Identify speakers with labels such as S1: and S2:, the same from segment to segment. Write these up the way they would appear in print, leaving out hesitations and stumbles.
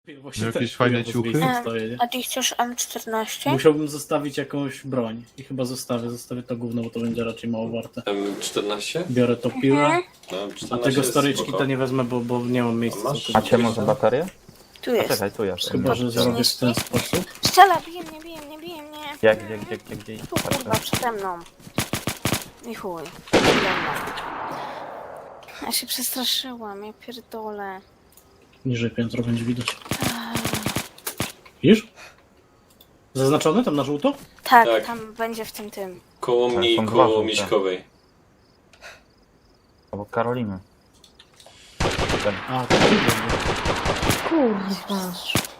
S1: Właśnie
S2: Jakieś fajne ciuchy?
S1: Stoję, nie?
S3: A ty chcesz M14?
S1: Musiałbym zostawić jakąś broń. I chyba zostawię to gówno, bo to będzie raczej mało warte.
S4: M14?
S1: Biorę to piłę,
S4: No,
S1: a
S4: M14
S1: tego
S4: jest
S1: storyczki
S4: spoko.
S1: to nie wezmę, bo nie mam miejsca.
S4: A masz?
S1: całkowicie.
S5: Macie może baterię?
S3: Tu
S5: A
S3: jest.
S5: czekaj, tu jest.
S1: Chyba, że zrobię w ten sposób.
S3: Strzela, bije mnie.
S5: Jak, gdzie?
S3: Tu kurwa, przede mną. I chuj. Ja się przestraszyłam, ja pierdolę.
S1: Niżej piętro będzie widać. Widzisz? Zaznaczone tam na żółto?
S3: Tak,
S4: Tak.
S3: tam będzie w tym.
S4: Koło
S5: Tak,
S4: mnie i
S5: są dwa
S4: koło
S5: żółte.
S4: Miśkowej.
S5: Obok Karoliny.
S1: A, to tu będzie.
S3: Kurwa.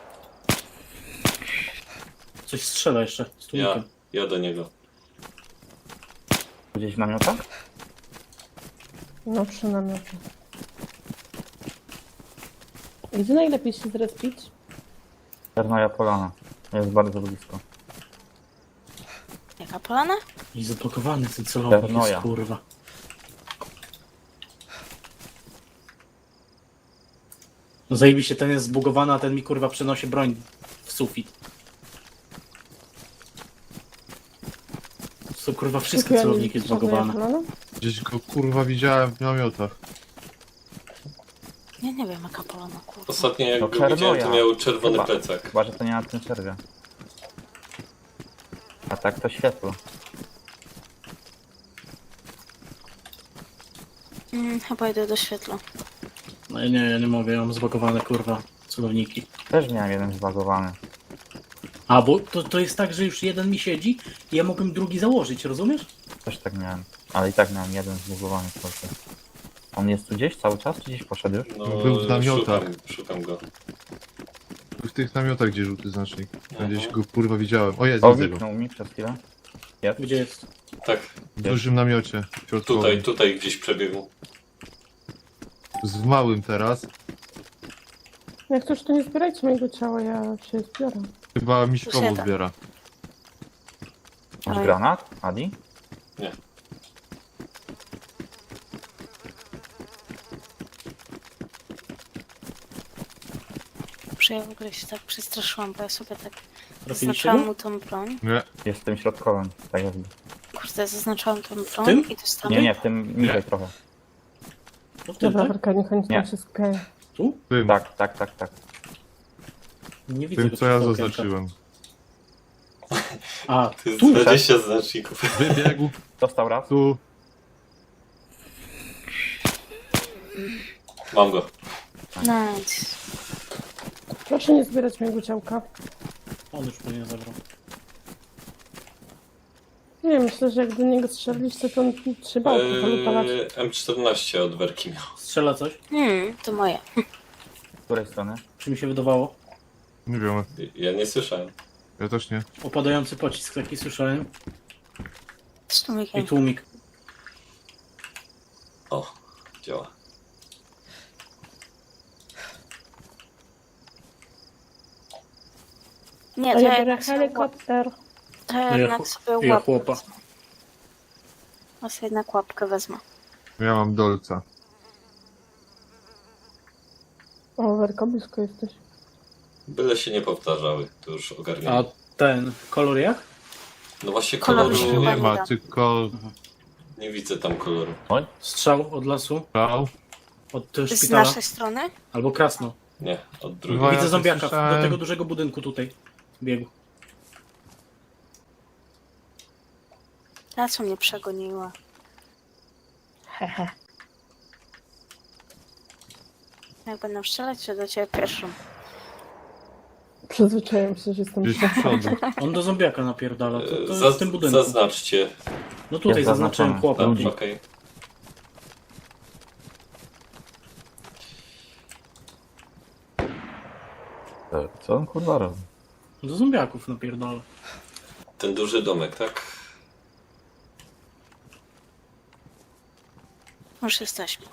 S1: Coś strzela jeszcze z
S4: Ja,
S1: tłumikiem.
S4: ja do niego.
S5: Gdzieś w namiotach?
S6: No przy namiocie. Gdzie najlepiej się zrespić?
S5: Czernoja Polana. Jest bardzo blisko.
S3: Jaka polana?
S1: I zablokowany ten celownik jest,
S5: Paranoja.
S1: kurwa. No zajebiście, ten jest zbugowany, a ten mi kurwa przenosi broń w sufit. To są kurwa wszystkie celowniki zbugowane.
S2: Gdzieś go kurwa widziałem w namiotach.
S3: Ja nie wiem jaka polana, kurwa.
S4: Ostatnio jak
S5: No,
S4: go widziałem, to
S5: Czernoja.
S4: miał czerwony
S5: Chyba.
S4: plecak.
S5: Chyba, że to nie na tym serwie. A tak to światło.
S3: Chyba idę do świetla.
S1: No ja nie mogę, ja mam zbugowane kurwa celowniki.
S5: Też miałem jeden zbagowany.
S1: A, bo to jest tak, że już jeden mi siedzi i ja mogłem drugi założyć, rozumiesz?
S5: Też tak miałem. Ale i tak miałem jeden zbugowany tylko. On jest tu gdzieś cały czas, czy gdzieś poszedł już?
S4: No,
S2: Był w namiotach.
S4: Szukam go.
S2: W tych namiotach, gdzie żółty znacznik. Gdzieś go kurwa widziałem. O jest,
S5: O,
S2: widzę go.
S5: wiknął mi przez chwilę. Jest.
S1: Gdzie jest?
S4: Tak,
S2: W dużym namiocie. Środkowym.
S4: tutaj gdzieś przebiegł.
S2: W małym teraz.
S6: Jak coś to nie zbierajcie mojego ciała, ja się zbiorę.
S2: Chyba Miśkowo
S3: Posiada.
S2: zbiera.
S5: Masz
S3: Oj.
S5: granat, Adi?
S4: Nie.
S3: Że ja w ogóle się tak przestraszyłam, bo ja sobie tak
S1: Trafiliście
S3: zaznaczałam
S1: go?
S3: mu tą broń.
S2: Nie.
S5: Jest w tym środkowym, tak jakby.
S3: Kurde, zaznaczałam tą broń
S1: tym?
S3: i dostałam.
S5: Nie, w tym niżej trochę.
S1: No w tym,
S6: Dobra,
S1: tak?
S6: Werka, niech oni
S5: Nie.
S6: tam się skupiają.
S1: Tu?
S2: Tym,
S5: Tak.
S1: Nie widzę
S2: tym
S1: go
S2: co ja
S1: przez to okienko.
S2: zaznaczyłem.
S1: A,
S4: To jest
S1: tu?
S4: 20 znaczników.
S2: Wybiegł
S5: Dostał raz.
S2: tu.
S4: Mam go.
S3: Nice.
S6: Proszę nie zbierać mojego ciałka.
S1: On już pewnie zabrał.
S6: Nie, myślę, że jak do niego strzeliliście, to on trzeba polutować.
S4: M14 od Werki miał.
S1: Strzela coś?
S3: To moje.
S5: Z której strony?
S1: Czy mi się wydawało?
S2: Nie wiem,
S4: Ja nie słyszałem.
S2: ja też nie.
S1: Opadający pocisk taki słyszałem.
S3: Z
S1: I
S3: tłumikiem.
S1: tłumik.
S4: O, działa.
S3: Nie,
S6: A
S3: to
S6: ja
S3: ja
S6: biorę
S3: jednak sobie
S6: helikopter.
S3: To ja
S1: No ja
S3: jednak
S1: chł-
S3: sobie
S1: ja
S3: łapkę
S1: chłopa.
S3: wezmę. Ja sobie jednak łapkę wezmę.
S2: Ja mam dolca.
S6: O, Werka, blisko jesteś.
S4: Byle się nie powtarzały, to już
S1: A
S4: ogarniam.
S1: ten kolor jak?
S4: No właśnie
S3: Koloru
S4: koloru
S3: się
S2: Nie
S3: chyba
S2: ma,
S3: da.
S2: tylko
S4: nie widzę tam koloru.
S1: Strzał od lasu?
S2: brał.
S1: Od
S3: Z
S1: szpitala?
S3: naszej strony?
S1: Albo krasno.
S4: Nie, od drugiej.
S2: Chyba ja
S1: Widzę
S2: coś
S1: zombiaka
S2: słyszałem.
S1: do tego dużego budynku tutaj. Biegł.
S3: Ta co mnie przegoniła.
S6: Hehe.
S3: Jak będę strzelać, to do ciebie pierwszą.
S6: Przyzwyczaiłem się, że jestem
S2: Gdzieś z przodu.
S1: On do zombiaka napierdala. To jest w tym budynku.
S4: Zaznaczcie.
S1: No tutaj
S5: Jest
S1: zaznaczyłem
S5: zaznaczone.
S1: chłopa.
S5: Ludzi.
S4: Okej.
S5: Co on kurwa robi?
S1: Do zombiaków napierdala.
S4: Ten duży domek, tak?
S3: Już jesteśmy.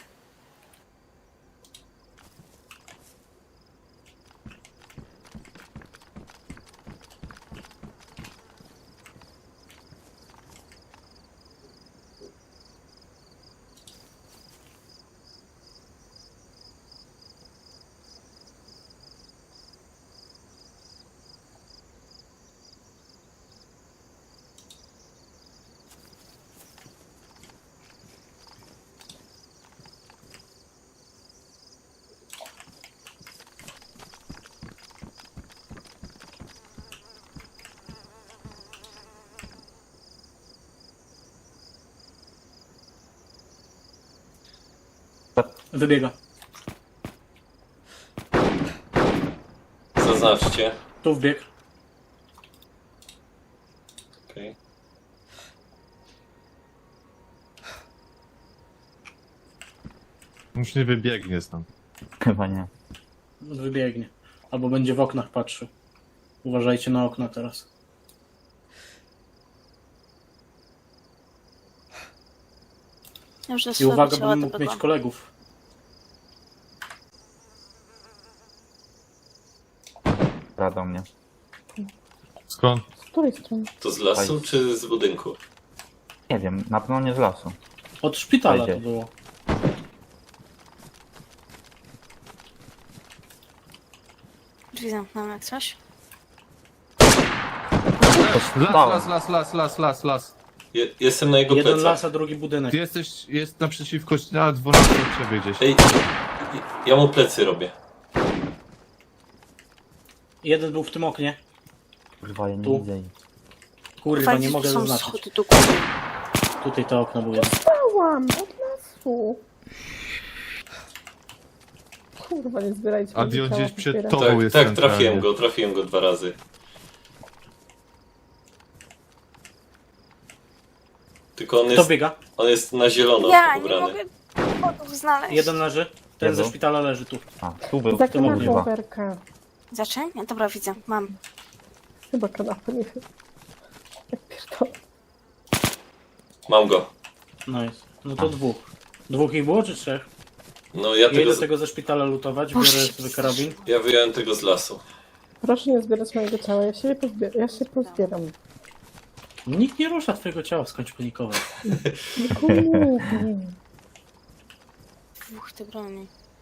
S1: Wybiega.
S4: Zaznaczcie.
S1: Tu wbieg.
S4: Okej.
S2: Już nie wybiegnie tam.
S5: Chyba nie.
S1: Wybiegnie. Albo będzie w oknach patrzył. Uważajcie na okna teraz.
S3: Już do
S1: I
S3: swojego
S1: uwaga,
S3: ciała
S1: bym mógł mieć
S3: dobiegłam.
S1: kolegów.
S5: Radą mnie.
S2: Skąd?
S6: Z której strony?
S4: To z lasu
S5: Fajnie.
S4: czy z budynku?
S5: Nie wiem, na pewno nie z lasu.
S1: Od szpitala to
S5: Wejdzie.
S1: było.
S3: Drzwi zamknąłem jak coś.
S2: Las.
S4: Jestem na jego
S1: Jeden
S4: plecach.
S1: las, a drugi budynek.
S2: Ty jest naprzeciwko, na 12 od ciebie gdzieś.
S4: Ej, ja mu plecy robię.
S1: Jeden był w tym oknie.
S5: Kurwa, ja nie
S1: Tu.
S5: widzę jej.
S1: Kurwa,
S3: Fajnie,
S1: nie
S3: że
S1: mogę
S3: tu są
S1: zaznaczyć.
S3: schody do góry.
S1: Tutaj to okno było jeden.
S6: Stałam od lasu. Kurwa, nie zbierajcie
S2: A
S6: mojego
S2: on
S6: ciała,
S2: gdzieś przed
S6: popieram.
S2: tobą.
S4: Tak,
S2: jest
S4: tak,
S2: centralnie.
S4: trafiłem go 2 razy. Tylko
S1: Kto biega?
S4: on jest na zielono
S3: Ja nie
S4: ubrany.
S3: mogę kodów znaleźć.
S1: Jeden leży. Ten ze
S5: Jezu.
S1: szpitala leży tu.
S5: A, tu był.
S6: Za
S1: tym oknie.
S6: kanapą berka.
S3: Zaczę? Ja, dobra, widzę. Mam.
S6: Chyba kanapę, nie wiem. Jak pierdolę.
S4: Mam go.
S1: Nice. No to dwóch. Dwóch ich było, czy trzech?
S4: No
S1: Ja idę tego ze szpitala lutować, biorę
S3: Boże,
S1: sobie karabin.
S4: ja wyjąłem tego z lasu.
S6: Proszę nie zbierać mojego ciała, ja się pozbieram.
S1: Nikt nie rusza twojego ciała, skończ panikować.
S6: Kurde.
S3: Dwóch te broni.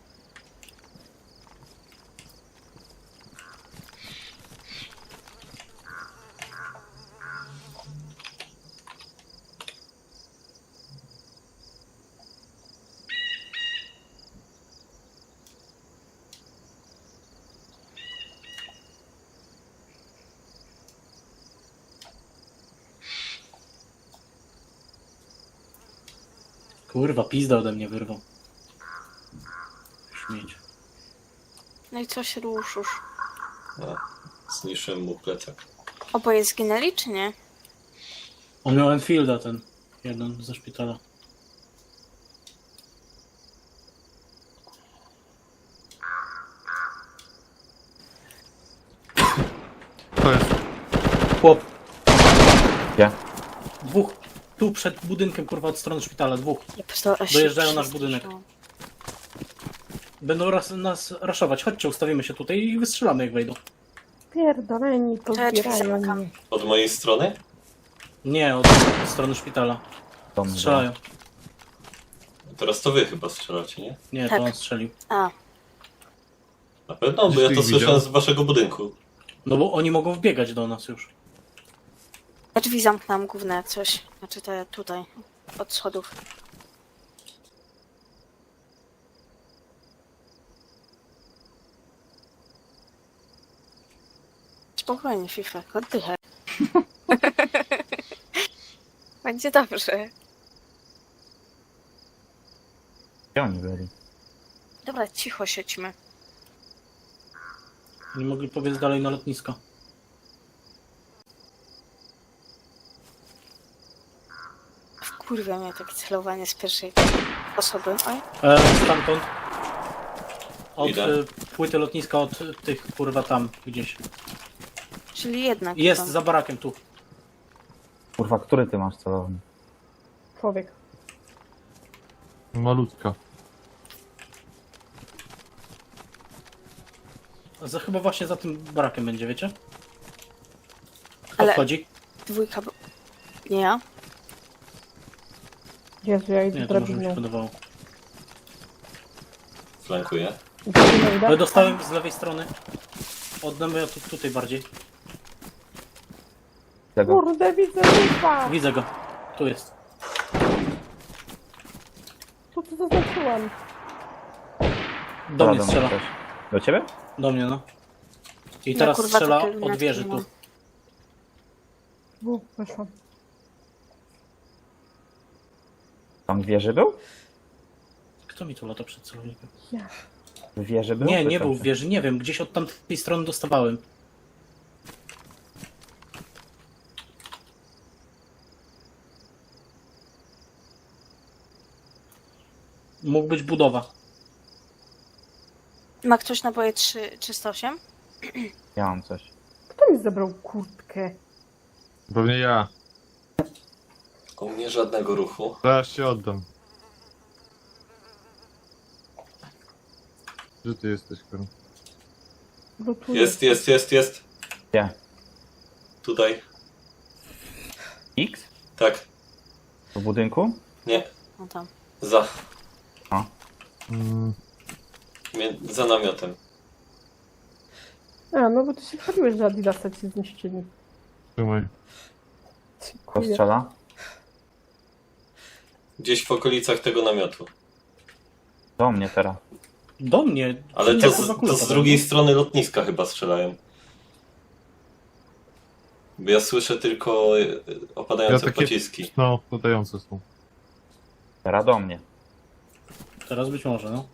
S1: Kurwa, pizda ode mnie wyrwał. Śmieć.
S3: No i coś ruszysz.
S4: No, zniszczyłem mu plecak.
S3: Oboje zginęli, czy nie?
S1: On miał Enfielda ten. Jeden ze szpitala.
S2: To jest.
S1: Chłop.
S5: Gdzie?
S1: Dwóch. Tu przed budynkiem, kurwa, od strony szpitala. Dwóch.
S3: Ja pierdolę, się
S1: Dojeżdżają nasz budynek.
S3: przestraszyłam.
S1: Będą nas raszować. Chodźcie, ustawimy się tutaj i wystrzelamy jak wejdą.
S6: Pierdoleni,
S3: ja drzwi
S6: pozbierają
S3: zamykam.
S6: mnie.
S4: Od mojej strony?
S1: Nie, od strony szpitala.
S5: Do mnie,
S1: Strzelają.
S4: Teraz to wy chyba strzelacie, nie?
S1: Nie,
S3: Tak.
S1: to on strzelił.
S3: A,
S4: Na pewno, bo
S2: Gdzieś
S4: ja
S2: ty
S4: to
S2: ich
S4: słyszałem
S2: widział?
S4: z waszego budynku.
S1: No bo oni mogą wbiegać do nas już.
S3: ja drzwi zamknęłam główne jak coś. Znaczy te tutaj. Od schodów. Spokojnie, Fifek, oddychaj. Będzie dobrze.
S5: Gdzie oni byli?
S3: Dobra, cicho siedźmy.
S1: Nie mogli powiedz dalej na lotnisko.
S3: Wkurwia mnie takie celowanie z pierwszej osoby. Oj,
S1: Stamtąd. Od
S4: Idę.
S1: płyty lotniska, od tych kurwa tam gdzieś.
S3: czyli jednak.
S1: Jest
S3: to-
S1: za barakiem tu.
S5: Kurwa, który ty masz celownik?
S6: Człowiek.
S2: Malutka.
S1: Chyba właśnie za tym barakiem będzie, wiecie? Kto
S3: Ale-
S1: wchodzi?
S3: Dwójka. Nie ja.
S6: Jezu, ja idę
S1: Nie, to może mi się
S6: drabiną.
S1: podobało.
S4: Flankuję.
S6: Drabiną idę.
S1: Ale dostałem z lewej strony. Od namiotu tutaj bardziej.
S5: Tego?
S6: Kurde, widzę ryba!
S1: Widzę go. Tu jest.
S6: Tu to zaznaczyłam.
S1: Do mnie
S5: Radą
S1: strzela.
S5: też. Do ciebie?
S1: Do mnie, no. I
S3: Ja,
S1: teraz
S3: kurwa,
S1: strzela
S3: takie
S1: od wieży
S3: lunatki
S1: tu.
S3: mam.
S6: Weszłam.
S5: Tam w wieży był?
S1: Kto mi tu lata przed celownikiem?
S6: Ja.
S5: W wieży był?
S1: Nie,
S5: czy
S1: nie
S5: co?
S1: był w wieży, nie wiem. Gdzieś od tamtej strony dostawałem. Mógł być budowa.
S3: Ma ktoś naboje 308?
S5: Ja mam coś.
S6: Kto mi zabrał kurtkę?
S2: Pewnie ja.
S4: U mnie żadnego ruchu.
S2: Zaraz się oddam. Gdzie ty jesteś, Karol?
S6: Bo tu
S4: Jest.
S5: Gdzie?
S4: Tutaj.
S5: X?
S4: Tak.
S5: W budynku?
S4: Nie.
S3: No tam.
S4: Za.
S2: Mm,
S4: Za namiotem.
S6: A, no bo ty się chwaliłeś, że Adidasa ci zniszczyli.
S2: trzymaj.
S5: Kto
S6: Dziękuję.
S5: strzela?
S4: Gdzieś w okolicach tego namiotu.
S5: Do mnie teraz.
S1: Do mnie.
S4: Ale
S1: Nie,
S4: to
S1: kurwa,
S4: z
S1: kulka,
S4: drugiej strony lotniska chyba strzelają. Bo ja słyszę tylko opadające pociski.
S2: No, podające są.
S5: Teraz do mnie.
S1: Teraz być może, no.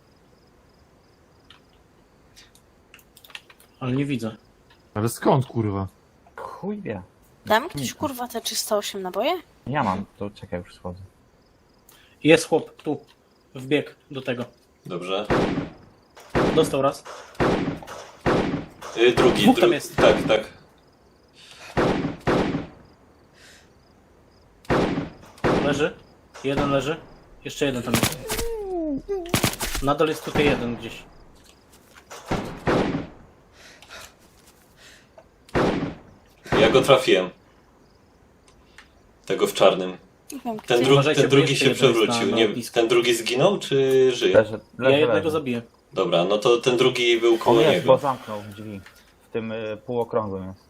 S1: Ale nie widzę.
S2: Ale skąd, kurwa?
S5: Chuj wie.
S3: Da mi ktoś kurwa te 308 naboje?
S5: Ja mam, to czekaj, już schodzę.
S1: Jest chłop, tu. Wbieg do tego.
S4: Dobrze.
S1: Dostał raz.
S4: Drugi.
S1: Dwóch tam jest.
S4: Tak.
S1: Leży. Jeden leży. Jeszcze jeden tam jest. Nadal jest tutaj jeden gdzieś.
S4: Ja go trafiłem. Tego w czarnym.
S3: Nie wiem,
S4: Ten,
S3: gdzie-
S1: Uważajcie,
S4: ten
S1: bo
S4: drugi
S1: jeszcze
S4: się
S1: jeden jest
S4: przewrócił.
S1: na
S4: Nie,
S1: lotnisku.
S4: ten drugi zginął, czy żyje?
S5: Leży,
S1: Ja
S5: leży,
S1: jednego
S5: leży.
S1: zabiję.
S4: Dobra, no to ten drugi był
S5: On
S4: koło
S5: jest, bo
S4: niego.
S5: zamknął drzwi. W tym półokrągłym jest.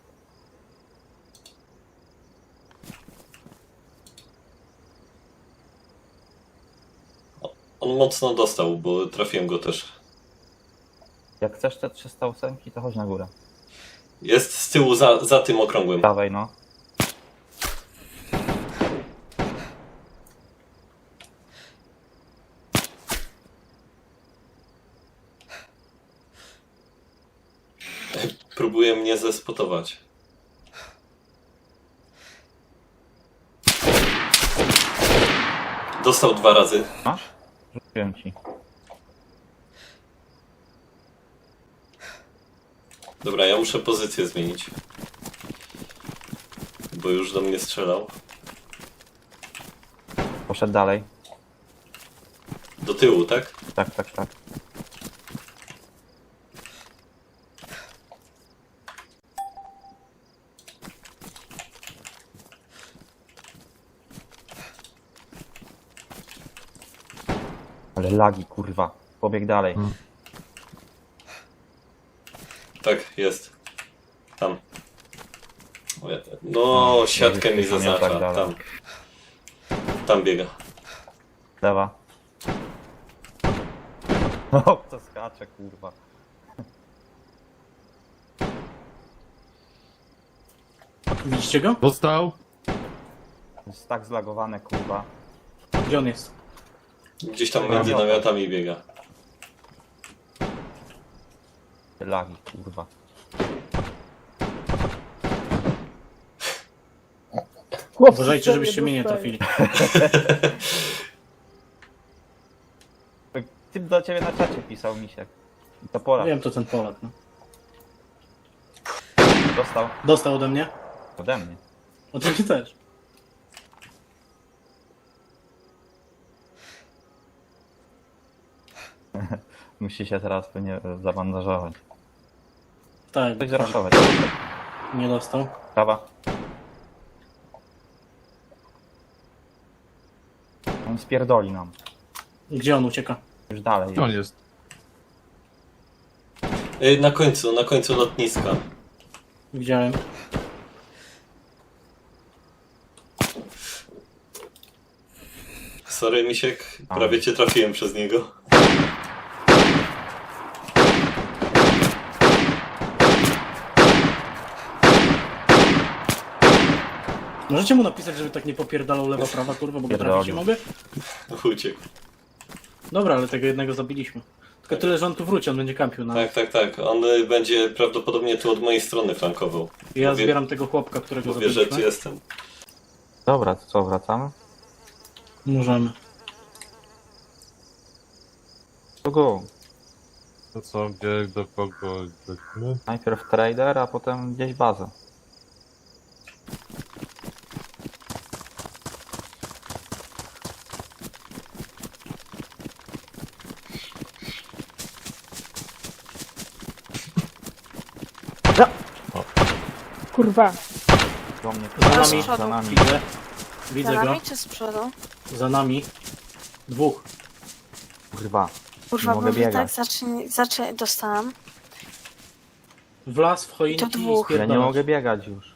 S4: On mocno dostał, bo trafiłem go też.
S5: Jak chcesz te 308, to chodź na górę.
S4: Jest z tyłu za tym okrągłym.
S5: Dawaj no.
S4: Próbuje mnie zespotować. Dostał 2 razy.
S5: Masz? Rzuciłem ci.
S4: Dobra, ja muszę pozycję zmienić. Bo już do mnie strzelał.
S5: Poszedł dalej.
S4: Do tyłu, tak?
S5: Tak. Ale lagi, kurwa. Pobieg dalej.
S4: Tak, jest. Tam. No, siatkę mi
S5: nie tak
S4: zaznacza.
S5: dalej.
S4: Tam biega.
S5: Lewa. O, to skacze, kurwa.
S1: Widzicie go?
S2: Dostał?
S5: Jest tak zlagowane, kurwa.
S1: Gdzie on jest?
S4: Gdzieś tam między namiotami biega.
S5: Lagi, kurwa.
S6: Chłopcy
S1: Uważajcie,
S6: sobie
S1: żebyście mnie nie
S6: dostają.
S1: trafili.
S5: Typ do ciebie na czacie pisał, misiek. I to Polak.
S1: Wiem, to ten Polak, no.
S5: Dostał
S1: Dostał ode mnie.
S5: ode mnie.
S1: Oczywiście też.
S5: Musi się teraz pewnie zabandażować.
S1: Tak,
S5: Coś zaraszować.
S1: nie dostał.
S5: Prawa. On spierdoli nam.
S1: Gdzie on ucieka?
S5: Już dalej.
S2: Gdzie on jest?
S4: Na końcu lotniska.
S1: Widziałem.
S4: Sorry, Misiek, prawie cię trafiłem przez niego.
S1: Możecie mu napisać, żeby tak nie popierdalał lewa, prawa, kurwa, bo go trafić nie mogę?
S4: Uciekł.
S1: Dobra, ale tego jednego zabiliśmy. Tylko tyle, że on tu wróci, on będzie kampił na...
S4: Tak. On będzie prawdopodobnie tu od mojej strony flankował.
S1: Ja
S4: Mówię-
S1: zbieram tego chłopka, którego
S4: Mówię, że tu
S1: zabiliśmy.
S4: jestem.
S5: Dobra, to co, wracamy?
S1: Możemy.
S5: To go.
S2: To co, gdzie, do kogo lecimy?
S5: Najpierw trader, a potem gdzieś bazę.
S6: Kurwa.
S5: Do mnie,
S1: Za
S3: A z
S1: nami,
S3: przodu?
S5: za nami.
S1: widzę. Widzę
S3: Za
S1: go.
S3: nami czy z przodu?
S1: Za nami. Dwóch.
S5: Kurwa.
S3: Kurwa,
S5: Nie mogę
S3: bo wy tak
S5: biegać.
S3: dostałam.
S1: W las, w choinki
S3: To
S1: i
S3: dwóch.
S5: Ja
S1: spierdalać.
S5: nie mogę biegać już.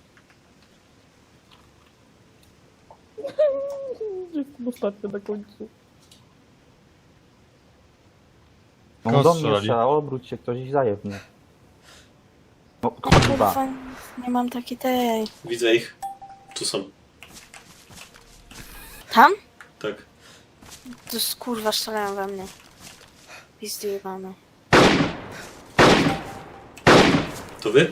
S6: Jestem ostatnio na końcu.
S5: No
S2: Kogo
S5: do mnie
S2: strzelali?
S5: strzela, obróć się ktoś i zajew mnie. No kurwa.
S3: Kurwa, nie mam takiej tej...
S4: Widzę ich. Tu są.
S3: Tam?
S4: Tak.
S3: To jest kurwa, strzelają we mnie. Pizdyjebane.
S4: To wy?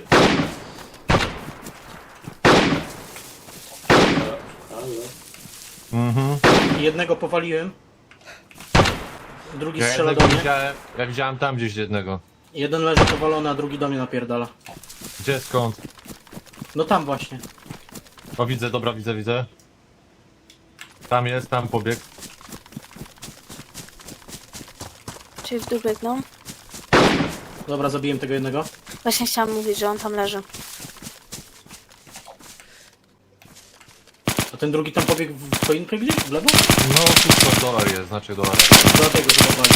S4: Halo.
S2: Mhm.
S1: Jednego powaliłem. Drugi
S2: Ja
S1: strzela
S2: jednego
S1: do mnie.
S2: widziałem, ja widziałem tam gdzieś jednego.
S1: Jeden leży powalony, a drugi do mnie napierdala.
S2: Gdzie, skąd?
S1: No tam właśnie.
S2: O, widzę, dobra, widzę. Tam jest, tam pobiegł.
S3: Czyli w dół biegną.
S1: Dobra, zabiłem tego jednego.
S3: Właśnie chciałam mówić, że on tam leży.
S1: A ten drugi tam pobiegł w choinkę gdzieś? W lewo?
S2: No, tu dolar jest, znaczy dolar.
S1: Dlatego zobowali.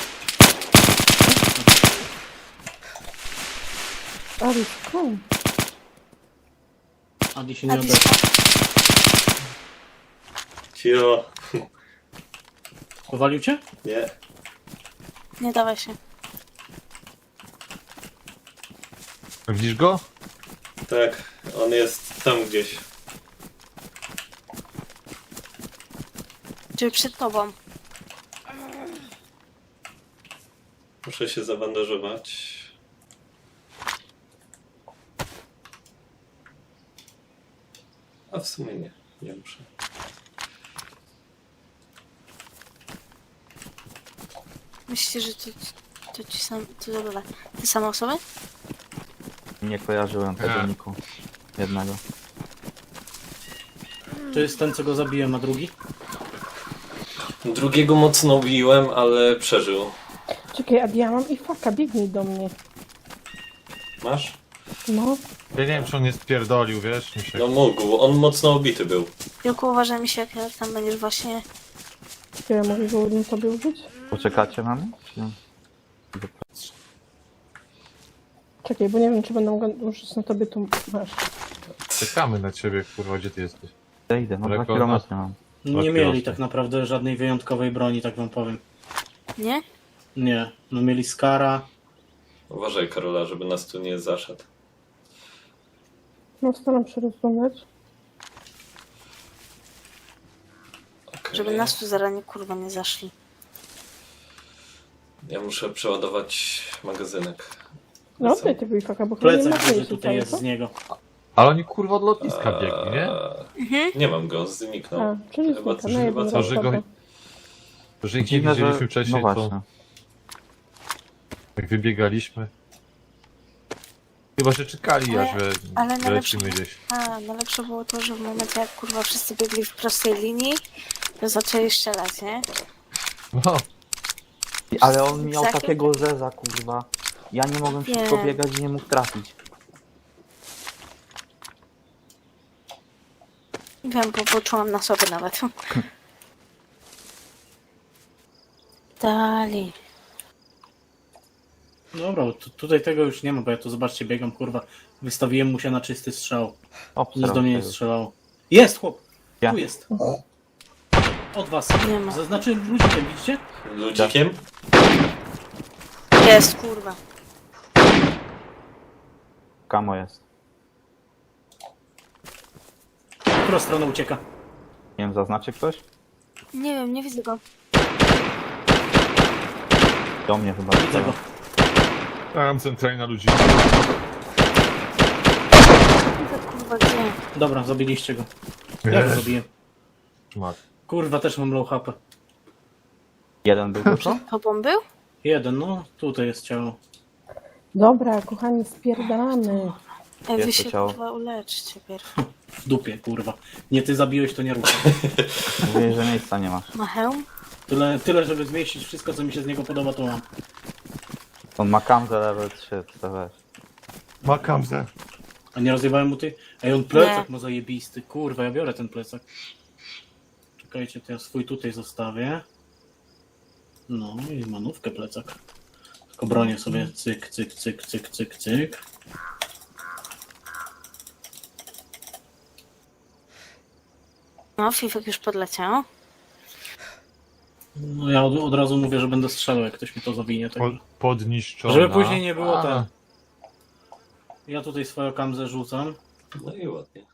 S6: Ale skąd?
S1: Adi się nie
S3: Adi,
S1: odezwał.
S4: Cio.
S1: Powalił cię?
S4: Nie.
S3: nie dawaj się.
S2: Widzisz go?
S4: Tak. On jest tam gdzieś.
S3: Czyli przed tobą.
S4: Muszę się zabandażować. A w sumie nie. Nie muszę.
S3: Myślisz, że to ci sam... To dobra. Te same osoby?
S5: Nie kojarzyłem tego
S2: Tak.
S5: niku. Jednego.
S1: To jest ten, co go zabiłem, a drugi?
S4: Drugiego mocno biłem, ale przeżył.
S6: Czekaj, a ja mam i faka, biegnij do mnie.
S4: Masz?
S6: No,
S2: Ja nie wiem, czy on nie spierdolił, wiesz? Mi się...
S4: No mógł. On mocno obity był.
S3: Tylko uważaj mi się, jak tam będziesz właśnie...
S6: czy ja mogę go ładnie sobie użyć?
S5: Poczekacie na mnie? Czy...
S6: Czekaj, bo nie wiem, czy będę mogła użyć na tobie tu masz.
S2: Czekamy na ciebie, kurwa, gdzie ty jesteś?
S5: Ja idę, no 2
S2: Daleko od
S5: kilometry mam.
S1: Nie
S2: Od
S1: mieli
S2: kiosku.
S1: tak naprawdę żadnej wyjątkowej broni, tak wam powiem.
S3: Nie?
S1: Nie. No mieli Skara.
S4: Uważaj, Karola, żeby nas tu nie zaszedł.
S6: No, staram się rozglądać.
S4: Okay.
S3: Żeby nas tu zaranie kurwa nie zaszli.
S4: Ja muszę przeładować magazynek.
S6: No, oddaj tego i faka, bo chyba nie
S1: Plecak,
S6: ma
S1: że
S6: miejsca,
S1: tutaj jest
S6: co?
S1: z niego.
S2: Ale oni, kurwa, od lotniska biegli, nie?
S4: Nie mam go, zniknął.
S6: A, czyli
S4: Chyba
S6: znika,
S4: coś-
S6: no
S4: chyba
S6: jeden
S4: coś-
S6: raz,
S2: że go-
S6: dobra.
S2: Że ich nie
S5: Dziwne,
S2: widzieliśmy
S5: że...
S2: wcześniej,
S5: No
S2: to
S5: właśnie.
S2: jak wybiegaliśmy. Chyba, że czekali,
S3: Ale-
S2: aż
S3: ale najlepsze-
S2: lecimy gdzieś.
S3: A, najlepsze było to, że w momencie jak kurwa wszyscy biegli w prostej linii, to zaczęli strzelać, nie?
S2: No,
S5: Ale on miał
S3: Zakiem-
S5: takiego zeza, kurwa. Ja nie mogłem szybko
S3: Nie.
S5: biegać i nie mógł trafić.
S3: Wiem, bo poczułam na sobie nawet. Dali.
S1: Dobra, bo tutaj tego już nie ma, bo ja tu zobaczcie, biegam, kurwa. Wystawiłem mu się na czysty strzał. Nic do mnie nie strzelało. Jest, chłop!
S5: Ja.
S1: Tu jest. Od was.
S3: Nie ma.
S1: Zaznaczyłem ludzikiem, widzicie?
S4: Ludzikiem?
S3: Jest, kurwa.
S5: Kamo jest.
S1: W którą stronę ucieka?
S5: Nie wiem, zaznaczy ktoś?
S3: Nie wiem, nie widzę go.
S5: Do mnie chyba.
S1: Widzę go.
S2: Tam centralnie na ludzi.
S3: Kurwa, gdzie?
S1: Dobra, zabiliście go. Ja go zabiję.
S2: Szmat.
S1: Kurwa, też mam low HP.
S5: Jeden był tylko?
S3: Tobą był?
S1: Jeden, no. Tutaj jest ciało.
S6: Dobra, kochani, spierdalamy.
S3: Ej, wy
S5: Jest to
S3: się
S5: ciało.
S3: kurwa uleczcie pierw.
S1: W dupie, kurwa. Nie ty zabiłeś, to nie ruszaj.
S5: Mówię, że miejsca nie masz.
S3: Ma hełm?
S1: Tyle, żeby zmieścić wszystko, co mi się z niego podoba, to mam.
S5: On ma kamzę level 3, to weź.
S2: Ma kamzę.
S1: A nie rozjebałem mu ty? Ej, on plecak
S3: Nie.
S1: ma zajebisty. Kurwa, ja biorę ten plecak. Czekajcie, to ja swój tutaj zostawię. No i manówkę plecak. Tylko bronię sobie cyk, cyk, cyk, cyk, cyk, cyk.
S3: No, Fifek już podleciał.
S1: No ja od razu mówię, że będę strzelał, jak ktoś mi to zawinie. Tak.
S2: Podniszczona.
S1: Żeby później nie było
S2: A.
S1: ten. Ja tutaj swoją kamzę rzucam.
S4: No i ładnie.